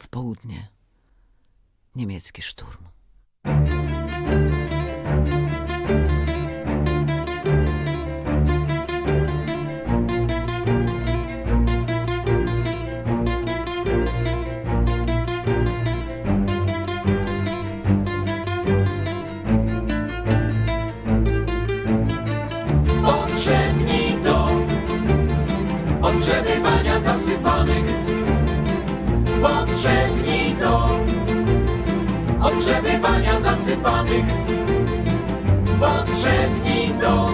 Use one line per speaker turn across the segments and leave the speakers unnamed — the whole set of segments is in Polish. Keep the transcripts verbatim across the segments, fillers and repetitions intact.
południe niemiecki szturm.
Potrzebni do odgrzebywania zasypanych. Potrzebni do odgrzebywania zasypanych. Potrzebni do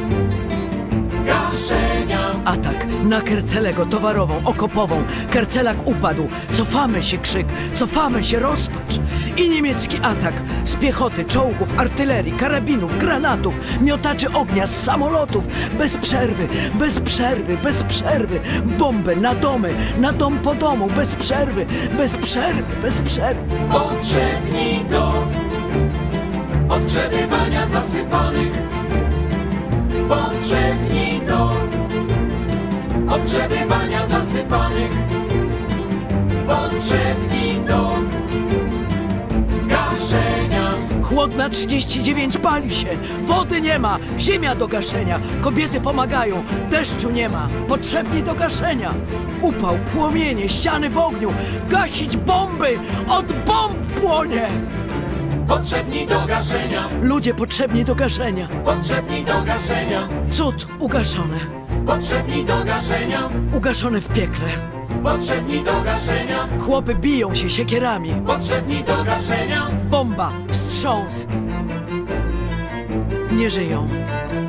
gaszenia.
Atak na Kercelego, towarową, okopową. Kercelak upadł. Cofamy się, krzyk. Cofamy się, rozpacz. I niemiecki atak z piechoty, czołgów, artylerii, karabinów, granatów, miotaczy ognia, z samolotów. Bez przerwy, bez przerwy, bez przerwy. Bomby na domy, na dom po domu. Bez przerwy, bez przerwy, bez przerwy.
Potrzebni do odgrzebywania zasypanych. Potrzebni do odgrzebywania zasypanych. Potrzebni do gaszenia.
Chłodna trzydzieści dziewięć pali się, wody nie ma, ziemia do gaszenia. Kobiety pomagają, deszczu nie ma, potrzebni do gaszenia. Upał, płomienie, ściany w ogniu, gasić bomby, od bomb płonie.
Potrzebni do gaszenia.
Ludzie potrzebni do gaszenia.
Potrzebni do gaszenia.
Cud ugaszone.
Potrzebni do gaszenia.
Ugaszone w piekle.
Potrzebni do gaszenia.
Chłopy biją się siekierami.
Potrzebni do gaszenia.
Bomba, wstrząs. Nie żyją.